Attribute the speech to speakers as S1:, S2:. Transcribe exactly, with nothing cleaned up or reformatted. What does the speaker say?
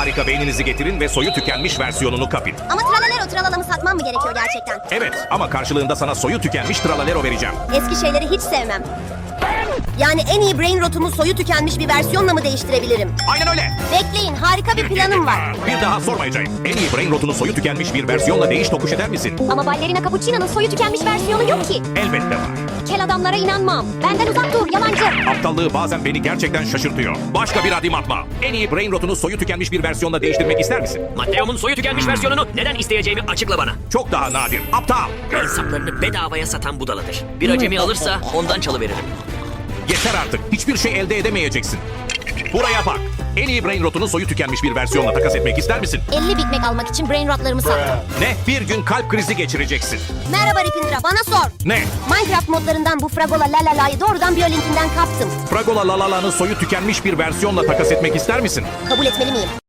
S1: harika beyninizi getirin ve soyu tükenmiş versiyonunu kapın.
S2: Ama tralalero tralalamı satmam mı gerekiyor gerçekten?
S1: Evet ama karşılığında sana soyu tükenmiş Tralalero vereceğim.
S2: Eski şeyleri hiç sevmem. Yani en iyi brain rotumu soyu tükenmiş bir versiyonla mı değiştirebilirim?
S1: Aynen öyle.
S2: Bekleyin, harika bir planım var.
S1: Bir daha sormayacağım. En iyi brain rotunu soyu tükenmiş bir versiyonla değiş tokuş eder misin?
S2: Ama ballerina cappuccino'nun soyu tükenmiş versiyonu yok ki.
S1: Elbette var.
S2: Kel adamlara inanmam. Benden uzak dur, yalancı.
S1: Aptallığı bazen beni gerçekten şaşırtıyor. Başka bir adım atma. En iyi brain rotunu soyu tükenmiş bir versiyonla değiştirmek ister misin?
S3: Matteo'mun soyu tükenmiş versiyonunu neden isteyeceğimi açıkla bana.
S1: Çok daha nadir. Aptal.
S3: El saplarını bedavaya satan budaladır. Bir acemi alırsa ondan çalıveririm.
S1: Yeter artık. Hiçbir şey elde edemeyeceksin. Buraya bak. En iyi brain rotunu soyu tükenmiş bir versiyonla takas etmek ister misin?
S2: elli Big Mac almak için brain rotlarımı sattım.
S1: Ne? Bir gün kalp krizi geçireceksin.
S2: Merhaba Ripindra, bana sor.
S1: Ne?
S2: Minecraft modlarından bu Fragola Lalala'yı doğrudan Biolinkinden kaptım.
S1: Fragola Lalala'nın soyu tükenmiş bir versiyonla takas etmek ister misin?
S2: Kabul etmeli miyim?